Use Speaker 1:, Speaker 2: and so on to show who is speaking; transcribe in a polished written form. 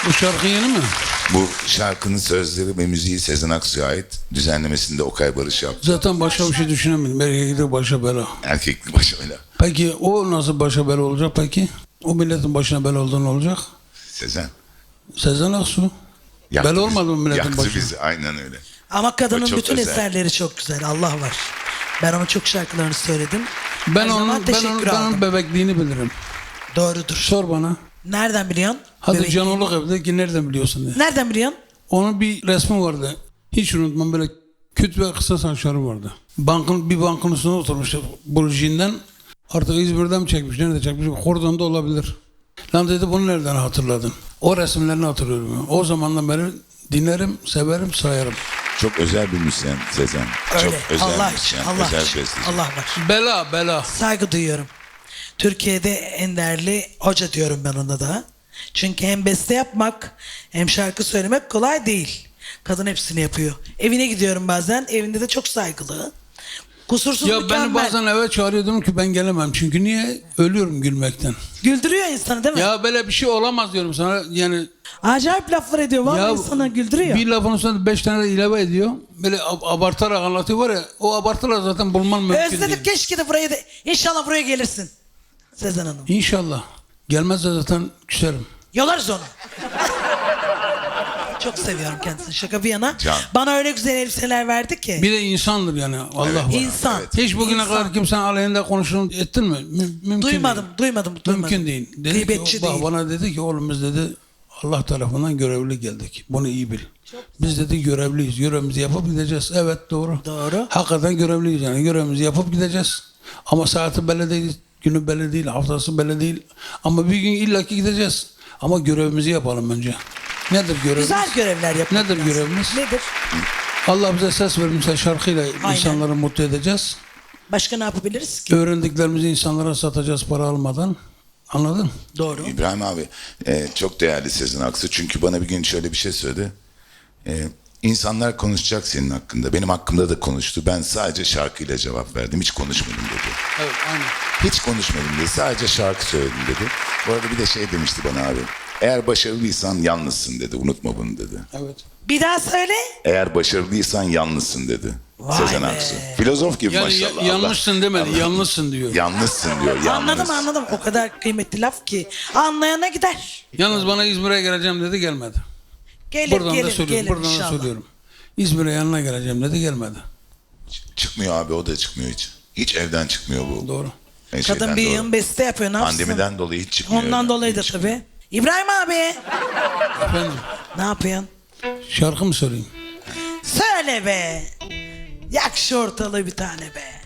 Speaker 1: Bu şarkı yeni mi?
Speaker 2: Bu şarkının sözleri ve müziği Sezen Aksu'ya ait. Düzenlemesinde Okay Barış yaptı.
Speaker 1: Zaten başka bir şey düşünemedim. Erkeklik başa bela.
Speaker 2: Erkekli başıyla.
Speaker 1: Peki o nasıl başa bela olacak peki? O milletin başına bela olduğunu olacak?
Speaker 2: Sezen.
Speaker 1: Sezen Aksu. Bela olmadı mı milletin
Speaker 2: yaktı
Speaker 1: başına?
Speaker 2: bizi, aynen öyle.
Speaker 3: Ama kadının
Speaker 2: O çok
Speaker 3: bütün
Speaker 2: özel.
Speaker 3: eserleri çok güzel. Allah var. Ben onun çok şarkılarını söyledim.
Speaker 1: Ben
Speaker 3: Her zaman
Speaker 1: onun, ben,
Speaker 3: teşekkür
Speaker 1: onun, ben onun
Speaker 3: aldım.
Speaker 1: bebekliğini bilirim.
Speaker 3: Doğrudur.
Speaker 1: Sor bana.
Speaker 3: Nereden biliyorsun?
Speaker 1: Hadi
Speaker 3: Bebek-
Speaker 1: Canoluk evde ki nereden biliyorsun diye.
Speaker 3: Nereden biliyorsun?
Speaker 1: Onun bir resmi vardı. Hiç unutmam, böyle küt ve kısa saçları vardı. Bir bankın üstüne oturmuştu Burji'nden. Artık İzmir'den mi çekmiş, nerede çekmiş? Kordon'da olabilir. Lan dedi, bunu nereden hatırladın? O resimlerini hatırlıyorum. Yani. O zamandan beri dinlerim, severim, sayarım.
Speaker 2: Çok özel bir müzisyen Sezen.
Speaker 3: Öyle.
Speaker 2: Çok özel
Speaker 3: Allah
Speaker 2: bir
Speaker 3: için.
Speaker 2: müzisyen.
Speaker 3: Allah
Speaker 2: özel
Speaker 3: için.
Speaker 2: besteci.
Speaker 3: Allah var.
Speaker 1: Bela, bela.
Speaker 3: Saygı duyuyorum. Türkiye'de en değerli hoca diyorum ben ona da. Çünkü hem beste yapmak hem şarkı söylemek kolay değil. Kadın hepsini yapıyor. Evine gidiyorum bazen. Evinde de çok saygılı. Kusursuz,
Speaker 1: Ya
Speaker 3: mükemmel.
Speaker 1: beni bazen eve çağırıyordum ki ben gelemem. Çünkü niye? Ölüyorum gülmekten.
Speaker 3: Güldürüyor insanı değil mi?
Speaker 1: Ya böyle bir şey olamaz diyorum sana. Yani
Speaker 3: Acayip laflar ediyor. Vallahi
Speaker 1: ya
Speaker 3: insana güldürüyor.
Speaker 1: bir lafın üstüne 5 tane de ilave ediyor. Böyle abartarak anlatıyor var ya. O abartılar zaten bulman mümkün
Speaker 3: Özledim,
Speaker 1: değil.
Speaker 3: keşke de buraya da. İnşallah buraya gelirsin. Sezen Hanım.
Speaker 1: İnşallah. Gelmezse zaten küserim.
Speaker 3: Yolarız onu. Çok seviyorum kendisini. Şaka bir yana.
Speaker 2: Can.
Speaker 3: Bana öyle güzel elbiseler verdi ki.
Speaker 1: Bir de insandır yani. Allah
Speaker 2: Evet.
Speaker 1: var.
Speaker 3: İnsan.
Speaker 2: Evet.
Speaker 1: Hiç bugüne
Speaker 3: İnsan.
Speaker 1: kadar kimsenin aleyhinde konuşun ettin mi? Mümkün
Speaker 3: Duymadım,
Speaker 1: değil.
Speaker 3: duymadım.
Speaker 1: Mümkün değil. Dedi
Speaker 3: Gıybetçi
Speaker 1: ki,
Speaker 3: değil.
Speaker 1: bana dedi ki oğlum biz dedi Allah tarafından görevli geldik. Bunu iyi bil. Biz dedi görevliyiz. Görevimizi yapıp gideceğiz. Evet doğru.
Speaker 3: Doğru.
Speaker 1: Hakikaten görevliyiz yani. Görevimizi yapıp gideceğiz. Ama saati belli değil, günü belli değil, haftası belli değil. Ama bir gün illaki gideceğiz. Ama görevimizi yapalım önce. Nedir görevimiz?
Speaker 3: Güzel görevler yapmak
Speaker 1: Nedir
Speaker 3: lazım.
Speaker 1: görevimiz?
Speaker 3: Nedir?
Speaker 1: Allah bize ses vermişse şarkıyla
Speaker 3: Aynen.
Speaker 1: insanları mutlu edeceğiz.
Speaker 3: Başka ne yapabiliriz ki?
Speaker 1: Öğrendiklerimizi insanlara satacağız para almadan. Anladın?
Speaker 3: Doğru.
Speaker 2: İbrahim abi çok değerli Sezen Aksu. Çünkü bana bir gün şöyle bir şey söyledi. İnsanlar konuşacak senin hakkında. Benim hakkımda da konuştu. Ben sadece şarkıyla cevap verdim. Hiç konuşmadım dedi.
Speaker 1: Evet, aynen.
Speaker 2: Hiç konuşmadım dedi. Sadece şarkı söyledim dedi. Bu arada bir de şey demişti bana abi. Eğer başarılıysan yalnızsın dedi. Unutma bunu dedi.
Speaker 1: Evet.
Speaker 3: Bir daha söyle.
Speaker 2: Eğer başarılıysan yalnızsın dedi.
Speaker 3: Vay
Speaker 2: Sezen
Speaker 3: be.
Speaker 2: Aksu. Filozof gibi
Speaker 1: Yani
Speaker 2: maşallah.
Speaker 1: yanlışsın demedi,
Speaker 2: Allah.
Speaker 1: yalnızsın diyor.
Speaker 2: Yalnızsın diyor. Yalnız.
Speaker 3: Anladım. O kadar kıymetli laf ki. Anlayana gider.
Speaker 1: Yalnız bana İzmir'e geleceğim dedi, gelmedi.
Speaker 3: Gelir,
Speaker 1: Buradan da
Speaker 3: gelir,
Speaker 1: söylüyorum,
Speaker 3: gelir
Speaker 1: buradan da
Speaker 3: inşallah.
Speaker 1: söylüyorum. İzmir'e yanına geleceğim dedi, gelmedi.
Speaker 2: Çıkmıyor abi, o da çıkmıyor hiç. Hiç evden çıkmıyor bu.
Speaker 1: Doğru.
Speaker 3: Kadın bir yığın beste yapıyor. Ne yapsın?
Speaker 2: Pandemiden dolayı hiç çıkmıyor.
Speaker 3: Ondan
Speaker 2: evden.
Speaker 3: dolayı da
Speaker 2: Hiç
Speaker 3: tabii. İbrahim abi.
Speaker 1: Efendim,
Speaker 3: Ne yapıyorsun?
Speaker 1: şarkı mı söyleyeyim?
Speaker 3: Söyle be. Yak şu ortalığı bir tane be.